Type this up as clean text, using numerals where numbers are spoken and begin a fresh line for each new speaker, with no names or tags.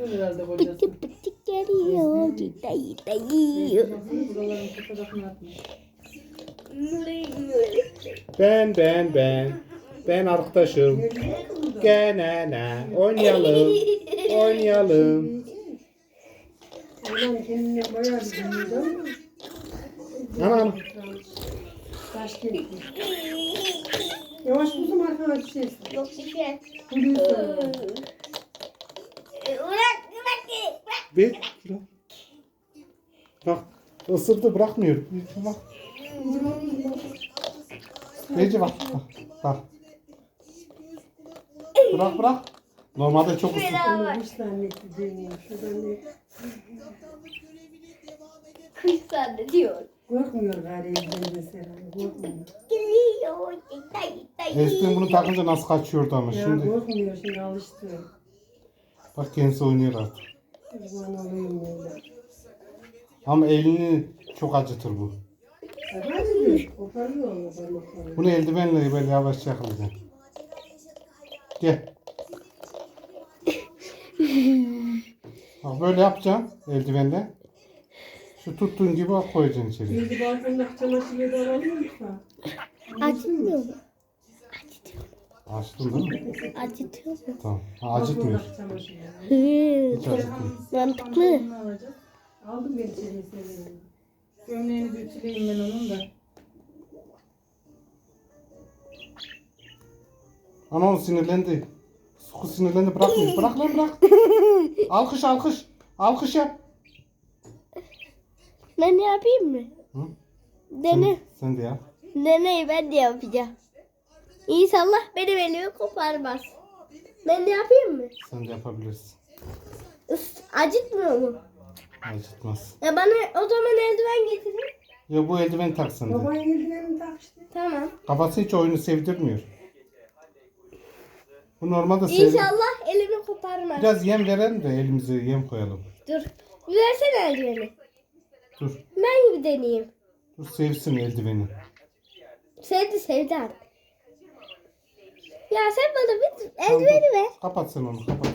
Uyuyor herhalde kocası.
Pıtı pıtı geliyor. Dayı dayı.
Buraların fotoğrafını atmış.
Ben arkadaşım. Gene ne? Oynayalım. Oynayalım.
Ulan kendine bayağı bir dinliyordu ama
Anam.
taş geldi. Yavaş kuzum arkana düşersin.
Yok bir şey.
Kuruyor sana.
Bırak.
Bir. Bak. Isırdı bırakmıyor. Bak. Bece bak. Bak. Bırak. Normalde çok ısırdı.
Onu kuş zannetti deniyor. Şuradan ne?
Kuş zannediyor.
Korkmuyor gari evden mesela. Korkmuyor.
Geliyor. Dayı.
Eskiden bunu takınca nasıl kaçıyordu ama
Ya
şimdi.
korkmuyor şimdi alıştı.
Bak kendisi oynuyor artık.
Kurban olayım böyle.
Ama elini çok acıtır bu.
Hadi koparıyor onu parmaklarını.
Bunu eldivenle böyle yavaş yakalayacaksın. Gel. Bak böyle yapacaksın eldivenle. Şu tuttuğun gibi koyacaksın içeri.
Şimdi balkonda çamaşırı da alalım lütfen.
Acıtmıyor mu?
Açtın değil mi?
Acıtıyor mu?
Tamam. Ha, acıtmıyor.
Balkondaki çamaşırı.
Hiç acıtmıyor.
Mantıklı.
Ne alacak?
Aldım ben içeriye seviyorum.
Gömleğini bir ütüleyeyim ben onun da.
Ama o sinirlendi. Suku sinirlendi bırakmıyor. Bırak lan bırak. Alkış. Alkış yap.
Ben yapayım mı?
Hı?
Dene.
Sen de yap.
Deneyi ben de yapacağım. İnşallah benim elimi koparmaz. Ben de yapayım mı?
Sen de yapabilirsin.
Acıtmıyor mu?
Acıtmaz.
Ya bana o zaman eldiven getirin.
Ya bu eldiveni tak sen de.
Baban eldivenini tak işte.
Tamam.
Kafası hiç oyunu sevdirmiyor. Bu normalde sevdir.
İnşallah elimi koparmaz.
Biraz yem verelim de elimize yem koyalım.
Dur. Versene eldiveni.
Dur.
Ben gibi deneyeyim.
Dur sevsin eldiveni.
Sevdi artık. Ya sen bana bir eldiveni ver.
Kapat sen onu kapat.